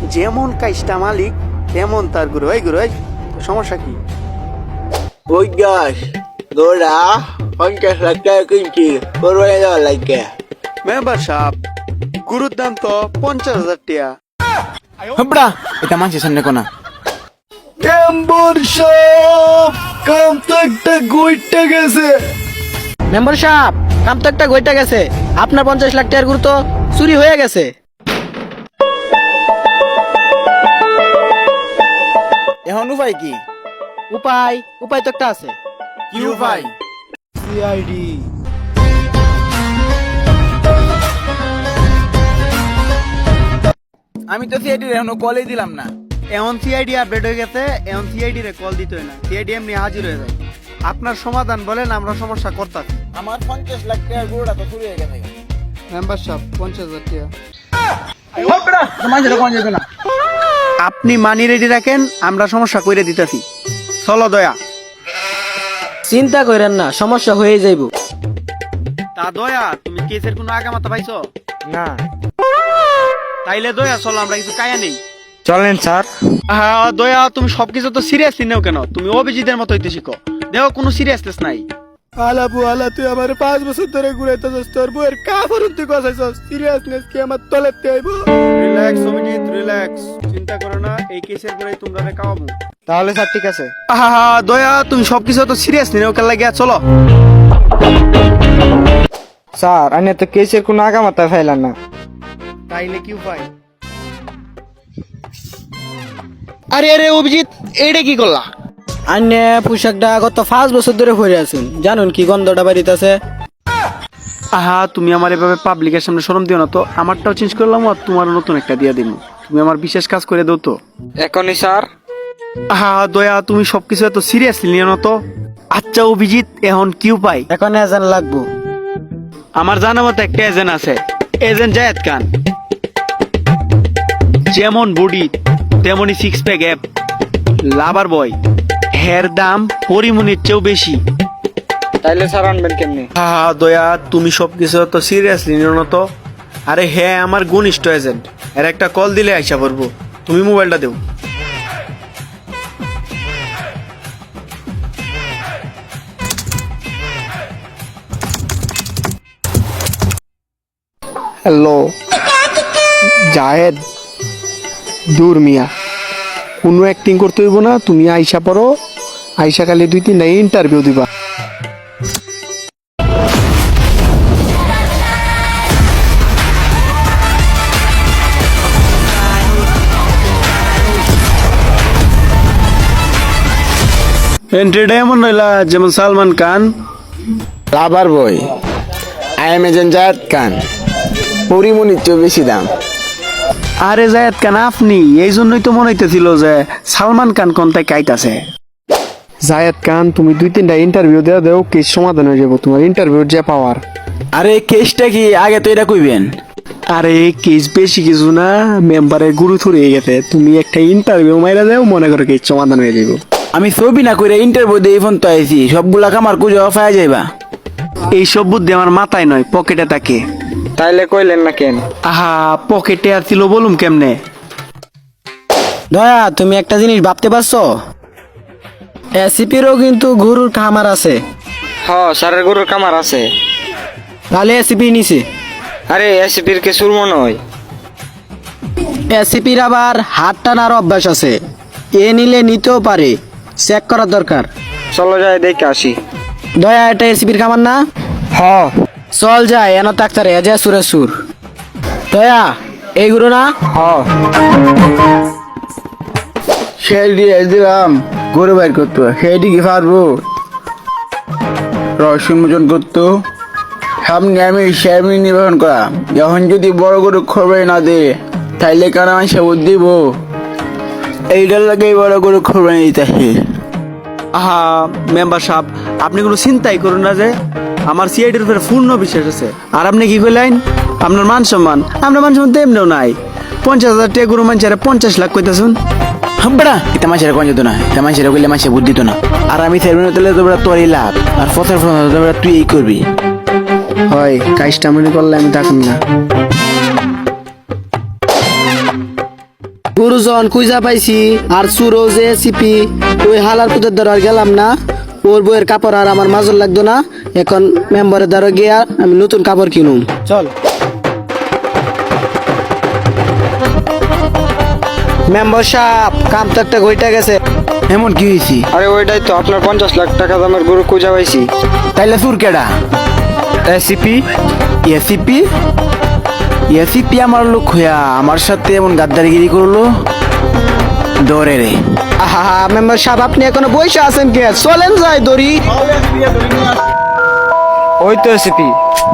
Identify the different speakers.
Speaker 1: যেমন কাজটা মালিক তেমন তার গুরু। এই গুরু, এই সমস্যা কি?
Speaker 2: ওই গাছ দৌড়া 50 লাখ টাকা কিনছি কোরবানি দেওয়ার লাগে।
Speaker 1: মেম্বার সাহেব, গুরুর দাম তো 50,000 টাকা।
Speaker 3: হবড়া এটা মানুষের সামনে কোনা।
Speaker 2: মেম্বার সাহেব কাম তো একটা গইটা গেছে।
Speaker 4: মেম্বার সাহেব, কাম তো একটা গইটা গেছে। আপনার 50 লাখ টাকার গুরু তো চুরি হয়ে গেছে।
Speaker 3: এখন উপায় কি?
Speaker 4: উপায় তো একটা আছে।
Speaker 3: কি উপায়?
Speaker 2: সিআইডি
Speaker 3: আমি তো সিআইডি এখনো কলই দিলাম না।
Speaker 1: এখন সিআইডি আপডেট হয়ে গেছে, এখন সিআইডি রে কল দিতে হয় না, সিআইডি এমনি হাজির হয়ে যায়। আপনার সমাধান বলেন, আমরা সমস্যা করতেছি।
Speaker 3: আমার 50 লাখ টাকার গরুটা তো চুরি হয়ে গেছে।
Speaker 1: মেম্বার সাহেব 50,000 টাকা।
Speaker 3: হবড়া তো মানুষের কোন যাবে না।
Speaker 1: আপনি মানি রেডি রাখেন, আমরা সমস্যা কইরে দিতেছি। চলো দয়া।
Speaker 4: চিন্তা করেন না, সমস্যা হয়ে যাইব।
Speaker 1: তা দয়া, তুমি কেসের কোনো আগামাতা পাইছো?
Speaker 3: না
Speaker 1: তাইলে দয়া চলো, আমরা কিছু কায়া নেই।
Speaker 3: চলেন স্যার।
Speaker 1: হ্যাঁ দয়া, তুমি সবকিছু তো সিরিয়াসলি নেও কেন? তুমি অভিজিতের মতো হইতে শিখো। দেখো কোনো সিরিয়াসনেস নাই।
Speaker 2: আলাপু আলা তুই আমার 5 বছর ধরে ঘুরাইতেছস, তোর বউয়ের কাফরুন তুই কসাইছস। সিরিয়াসনেস কি আমার তলেতে আইব?
Speaker 1: Relax Abhijit, relax. চিন্তা করো না, এই কেসের পরেই তোমরা কাওয়াবো।
Speaker 2: তাহলে স্যার ঠিক আছে।
Speaker 1: আহা দয়া, তুমি সবকিছু তো সিরিয়াসলি নেও কেন লাগিয়া? চলো।
Speaker 2: স্যার আমি তো কেসের কোনো আগামাতা ফাইলাম না।
Speaker 1: তাইলে কি উপায়?
Speaker 4: আরে আরে অভিজিৎ, এইটা কি করলা? আন্যে পোশাকটা গত 5 বছর ধরে পরে আছেন, জানুন কি গন্ধটা বাড়িতেছে।
Speaker 1: আহা, তুমি আমার এভাবে পাবলিকের সামনে শরম দিও না তো। আমারটাও চেঞ্জ করলাম আর তোমার নতুন একটা দিয়া দিব। তুমি আমার বিশেষ কাজ করে দাও তো।
Speaker 2: এখনই স্যার।
Speaker 1: আহা দয়া, তুমি সবকিছু এত সিরিয়াসলি নিও না তো। আচ্ছা অভিজিৎ, এখন কি উপায়?
Speaker 4: এখন এজেন্ট লাগবো।
Speaker 1: আমার জানা মতো একটা এজেন্ট আছে, এজেন্ট জায়েদ খান। যেমন বডি তেমনই 6 প্যাক অ্যাপ, লাভার বয়। হের দাম পরিমণির চেয়েও বেশি।
Speaker 2: তাইলে স্যার আনবেন কেমনি?
Speaker 1: হা দয়া, তুমি সবকিছু তো সিরিয়াসলি নিও না তো। আরে হ্যাঁ, আমার ঘনিষ্ঠ এজেন্ট, এর একটা কল দিলে আইসা পড়বো। তুমি মোবাইলটা দেও।
Speaker 2: হ্যালো জাহেদ। দূর মিয়া, কোনো অ্যাক্টিং করতে হইব না। তুমি আইসা পড়ো, আইসা খালি 2-3টা ইন্টারভিউ দিবা।
Speaker 1: এন্ট্রিটা এমন রইলা যেমন সালমান খান।
Speaker 3: লাভার বই, I am agent Zayed Khan. পরিমণির চেয়ে বেশি দাম।
Speaker 1: আরে জায়েদ খান আপনি, এই জন্যই তো মনে হইতেছিল যে সালমান খান কোন তাই কাইতাছে।
Speaker 2: জায়েদ খান, তুমি 2-3টা ইন্টারভিউ দেওয়া দেও, কেস সমাধান হয়ে যাবো। তোমার ইন্টারভিউর যে পাওয়ার।
Speaker 3: আরে কেসটা কি আগে তো এটা কইবেন।
Speaker 1: আরে কেস বেশি কিছু না, মেম্বারের গুরু থুরিয়ে গেছে। তুমি একটা ইন্টারভিউ মাইরা দাও, মনে করো কেস সমাধান হয়ে যাবো।
Speaker 3: আমি ছবি না কইরা ইন্টারভিউ দিয়ে ফোন তো আইছি, সবগুলা কামার কুজো পাওয়া যাইবা।
Speaker 1: এইসব বুদ্ধি আমার মাথায় নয়, পকেটে থাকে।
Speaker 2: তাইলে কইলেন না কেন?
Speaker 1: আহা, পকেটে আর ছিল বলুম কেমনে?
Speaker 4: দয়া, তুমি একটা জিনিস ভাবতে পারছো? এসিপিরও কিন্তু গরুর খামার আছে।
Speaker 2: হ্যাঁ স্যারের গরুর কামার আছে।
Speaker 4: তাহলে এসিপি নিছে।
Speaker 2: আরে এসিপির কে সুরমো নয়।
Speaker 4: এসিপির আবার হাত টানার অভ্যাস আছে, এ নিলে নিতেও পারে, চেক করার দরকার।
Speaker 2: চলো যাই দেখে আসি।
Speaker 4: দয়া, এটা এসিপির খামার না?
Speaker 2: হ্যাঁ
Speaker 4: চল যাই, এন তাক্তারে এজে সুরে সুর। দয়া, এইগুলো না?
Speaker 2: হ্যাঁ।
Speaker 3: সেই দিয়ে দিলাম গরু বাইর করতো, সেইটি কি পারবো? রহস্য উন্মোচন করতো, সামনে আমি সামনে নির্বাচন করা। এখন যদি বড় গরু খবর না দে, তাইলে কারণ আমি সে দিব। এইটার লাগে বড় গরু খবর দিতেছে।
Speaker 1: আহা মেম্বার সাহেব, আপনি কোনো চিন্তাই করুন না, যে আমার সিআইডির উপরে পূর্ণ বিশ্বাস আছে। আর আপনি কি কইলেন? আপনার মান সম্মান, আপনার মান সম্মান তো এমনিও নাই। 50,000 টাকা গরু মানছে 50 লাখ কইতাছুন।
Speaker 3: হাম্বড়া এটা মানুষের কোন যেত না, এটা মানুষের কইলে মানুষের বুদ্ধি তো না। আর আমি চেয়ারম্যান হতে তোমরা তোরই লাভ, আর ফসল তোমরা তুই এই করবি।
Speaker 1: হয় কাজটা মনে করলে আমি থাকুন না।
Speaker 4: গুরুজন কুইজা পাইছি আর সুরো যে সিপি ওই হালার পুতের দ্বারা আর গেলাম না। ওর বইয়ের কাপড় আর আমার মাজল লাগতো না। এখন মেম্বারের দ্বারা গিয়া আমি নতুন কাপড় কিনুম। চল মেম্বার সাহেব, কাম তো একটা গইটা গেছে।
Speaker 3: এমন কি হয়েছি?
Speaker 2: আরে ওইটাই তো আপনার 50 লাখ টাকা দামের গরু খুঁজা পাইছি।
Speaker 3: তাইলে তোর কেডা? এসিপি? এসিপি? এসিপি আমার লোক হইয়া আমার সাথে এমন গাদ্দারিগিরি করলো? ডরে রে।
Speaker 4: আহা মেম্বার সাহেব, আপনি এখনো বসে আছেন কে? চলেন যাই দড়ি।
Speaker 2: ওই তো এসিপি।